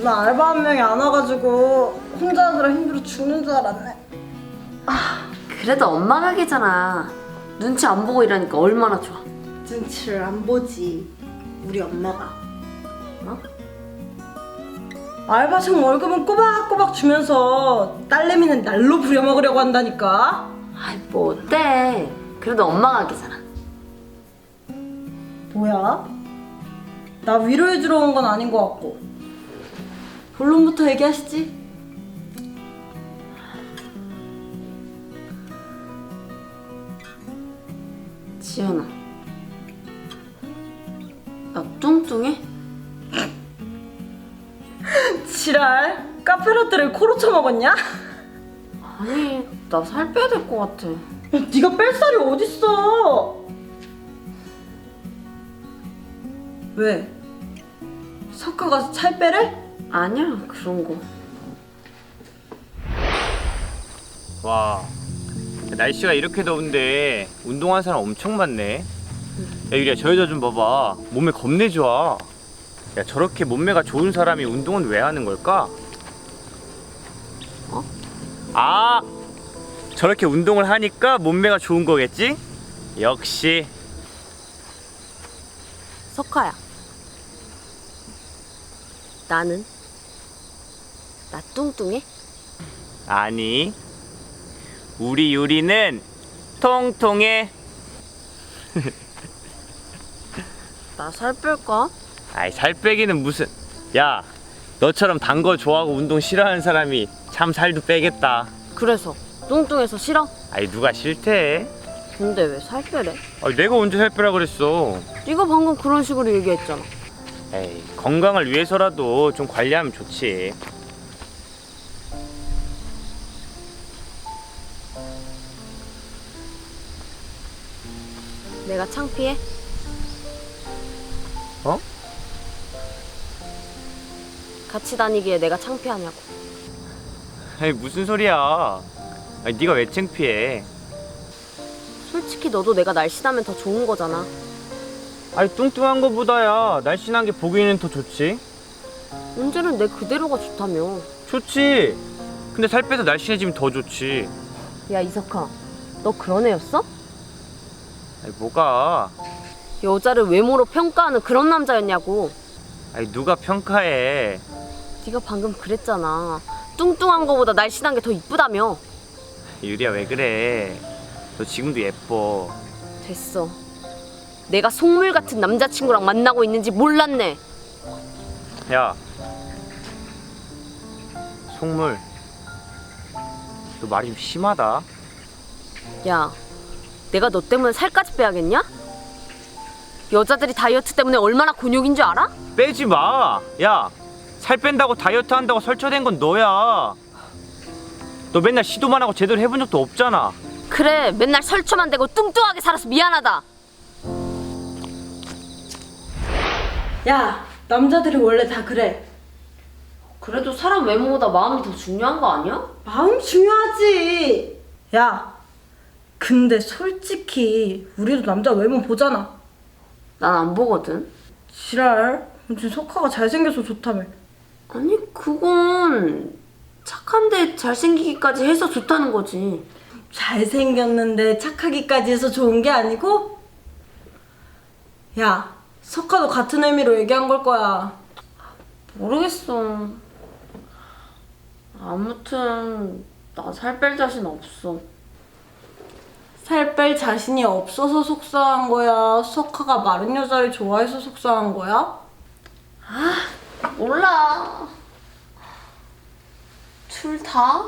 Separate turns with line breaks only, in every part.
오늘 알바 한 명이 안 와가지고 혼자 하느라 힘들어 죽는 줄 알았네.
그래도 엄마 가게잖아. 눈치 안 보고 일하니까 얼마나 좋아.
눈치를 안 보지 우리 엄마가.
어?
알바생 월급은 꼬박꼬박 주면서 딸내미는 날로 부려먹으려고 한다니까.
아이 뭐 어때? 그래도 엄마 가게잖아.
뭐야? 나 위로해주러 온 건 아닌 것 같고. 본론부터 얘기하시지.
지연아, 나 뚱뚱해?
지랄, 카페라떼를 코로 쳐먹었냐?
아니, 나 살 빼야 될 것 같아.
야, 네가 뺄 살이 어딨어? 왜? 석화 가서 살 빼래?
아니야, 그런 거.
와, 날씨가 이렇게 더운데 운동하는 사람 엄청 많네. 야, 유리야, 저 여자 좀 봐봐. 몸매 겁내 좋아. 야, 저렇게 몸매가 좋은 사람이 운동은 왜 하는 걸까?
어?
아, 저렇게 운동을 하니까 몸매가 좋은 거겠지? 역시.
석화야. 나는? 나 뚱뚱해?
아니, 우리 유리는 통통해.
나 살 뺄까?
아이, 살 빼기는 무슨. 야, 너처럼 단 거 좋아하고 운동 싫어하는 사람이 참 살도 빼겠다.
그래서 뚱뚱해서 싫어?
아이, 누가 싫대?
근데 왜 살 빼래?
아니, 내가 언제 살 빼라 그랬어.
네가 방금 그런 식으로 얘기했잖아.
에이, 건강을 위해서라도 좀 관리하면 좋지.
내가 창피해?
어?
같이 다니기에 내가 창피하냐고.
아니, 무슨 소리야. 아니, 네가 왜 창피해.
솔직히 너도 내가 날씬하면 더 좋은 거잖아.
아니, 뚱뚱한 거보다야 날씬한 게 보기에는 더 좋지.
언제는 내 그대로가 좋다며.
좋지. 근데 살 빼서 날씬해지면 더 좋지.
야 이석아, 너 그런 애였어?
아니, 뭐가.
여자를 외모로 평가하는 그런 남자였냐고.
아니, 누가 평가해.
네가 방금 그랬잖아. 뚱뚱한 거보다 날씬한 게 더 이쁘다며.
유리야, 왜 그래. 너 지금도 예뻐.
됐어. 내가 속물 같은 남자친구랑 만나고 있는지 몰랐네.
야, 속물, 너 말이 좀 심하다.
야, 내가 너 때문에 살까지 빼야겠냐? 여자들이 다이어트 때문에 얼마나 곤욕인 줄 알아?
빼지 마. 야, 살 뺀다고 다이어트 한다고 설쳐된 건 너야. 너 맨날 시도만 하고 제대로 해본 적도 없잖아.
그래, 맨날 설쳐만 대고 뚱뚱하게 살아서 미안하다.
야, 남자들이 원래 다 그래.
그래도 사람 외모보다 마음이 더 중요한 거 아니야?
마음이 중요하지. 야, 근데 솔직히 우리도 남자 외모 보잖아.
난 안 보거든.
지랄, 무슨 석화가 잘생겨서 좋다며.
아니 그건 착한데 잘생기기까지 해서 좋다는 거지.
잘생겼는데 착하기까지 해서 좋은 게 아니고? 야, 석화도 같은 의미로 얘기한 걸 거야.
모르겠어. 아무튼 나 살 뺄 자신 없어.
살 뺄 자신이 없어서 속상한 거야? 석화가 마른 여자를 좋아해서 속상한 거야?
몰라. 둘 다?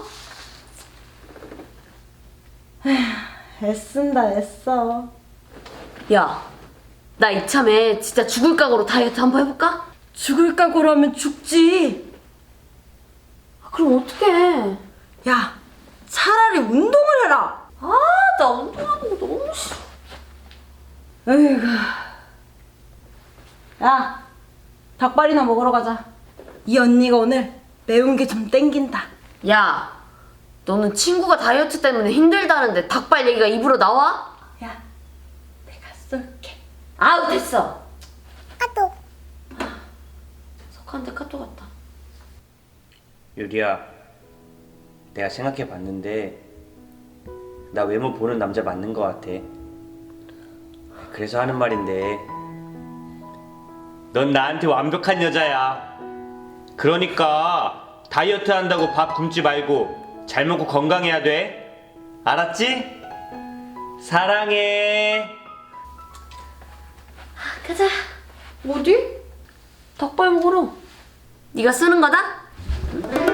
애쓴다 애써.
야, 나 이참에 진짜 죽을 각오로 다이어트 한번 해볼까?
죽을 각오로 하면 죽지.
그럼 어떡해.
야, 차라리 운동을 해라.
나 운동하는 거 너무 싫어.
에이구. 야, 닭발이나 먹으러 가자. 이 언니가 오늘 매운 게 좀 땡긴다.
야, 너는 친구가 다이어트 때문에 힘들다는데 닭발 얘기가 입으로 나와?
야, 내가 쏠게.
아우 됐어. 카톡. 석한테 카톡 왔다.
유리야, 내가 생각해 봤는데 나 외모 보는 남자 맞는 것 같아. 그래서 하는 말인데, 넌 나한테 완벽한 여자야. 그러니까 다이어트 한다고 밥 굶지 말고 잘 먹고 건강해야 돼. 알았지? 사랑해.
가자.
어디? 닭발 먹으러.
네가 쓰는 거다?